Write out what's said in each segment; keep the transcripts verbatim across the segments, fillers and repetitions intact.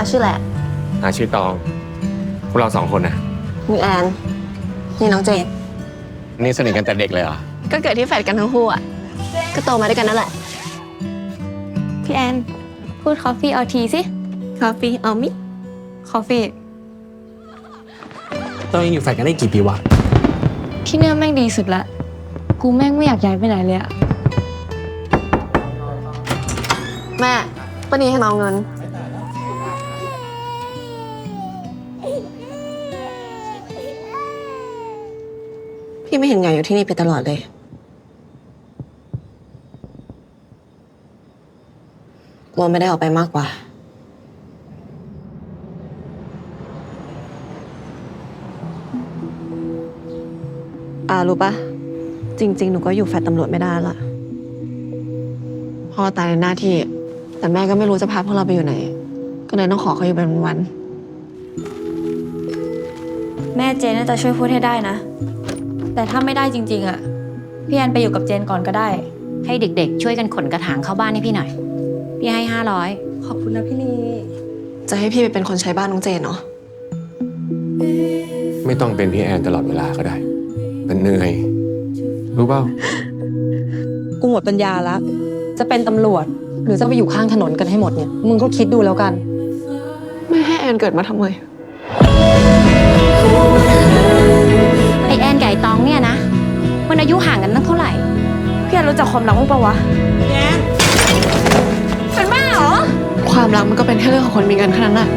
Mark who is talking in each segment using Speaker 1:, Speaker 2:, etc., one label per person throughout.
Speaker 1: ชื่อแหละ
Speaker 2: อาชื่อตองพวกเราสองคนนะ
Speaker 1: นี่แอนนี่น้องเจน
Speaker 2: นี่สนิทกันแต่เด็กเลยเหรอ
Speaker 1: ก็เกิดที่แฟลตกันทั้งคู่อ่ะก็โตมาด้วยกันนั่นแหละพี่แอนพูด coffee or tea สิ coffee or me coffee
Speaker 3: ต้องยังอยู่แฟลตกันได้กี่ปีวะ
Speaker 1: ที่เนี่ยแม่งดีสุดละกูแม่งไม่อยากย้ายไปไหนเลยอะแม่ป้านี้ให้น้องเงินพี่ไม่เห็นไงอยู่ที่นี่ไปตลอดเลยกลัวไม่ได้ออกไปมากกว่าอ่ารู้ปะจริงๆหนูก็อยู่แฟลตตำรวจไม่ได้ละพ่อตายในหน้าที่แต่แม่ก็ไม่รู้จะพาพวกเราไปอยู่ไหนก็เลยต้องขอเขาอยู่เป็นวัน
Speaker 4: แม่เจนน่าจะช่วยพูดให้ได้นะแต่ถ้าไม่ได้จริงๆอ่ะพี่แอนไปอยู่กับเจนก่อนก็ได้
Speaker 5: ให้เด็กๆช่วยกันขนกระถางเข้าบ้านให้พี่หน่อยพี่ให้ห้าร้อย
Speaker 4: ขอบคุณนะพี่ลี
Speaker 1: จะให้พี่ไปเป็นคนใช้บ้านน้องเจนเนาะ
Speaker 2: ไม่ต้องเป็นพี่แอนตลอดเวลาก็ได้มันเหนื่อยรู้เปล่า
Speaker 6: กูหมดปัญญาละจะเป็นตำรวจหรือจะไปอยู่ข้างถนนกันให้หมดเนี่ยมึงก็คิดดูแล้วกัน
Speaker 1: ไม่ให้แอนเกิดมาทำไม
Speaker 5: ไอแอนกับไอตองเนี่ยนะมันอายุห่างกันตั้งเท่าไหร่
Speaker 4: พี่แอนรู้จักความรักมั้งปะวะแอนเป็นบ้าเหรอ
Speaker 1: ความรักมันก็เป็นแค่เรื่องของคนมีเงินแค่นั้นแหละ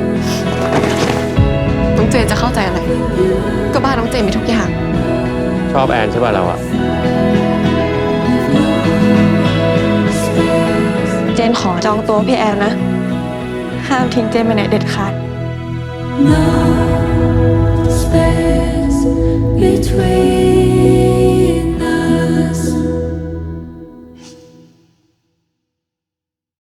Speaker 1: น้องเจนจะเข้าใจอะไรก็บ้านน้องเจนมีทุกอย่าง
Speaker 2: ชอบแอนใช่ป่ะเราอะ
Speaker 6: เจนขอจองตัวพี่แอนนะห้ามทิ้งเจนไปไหนเด็ดขาด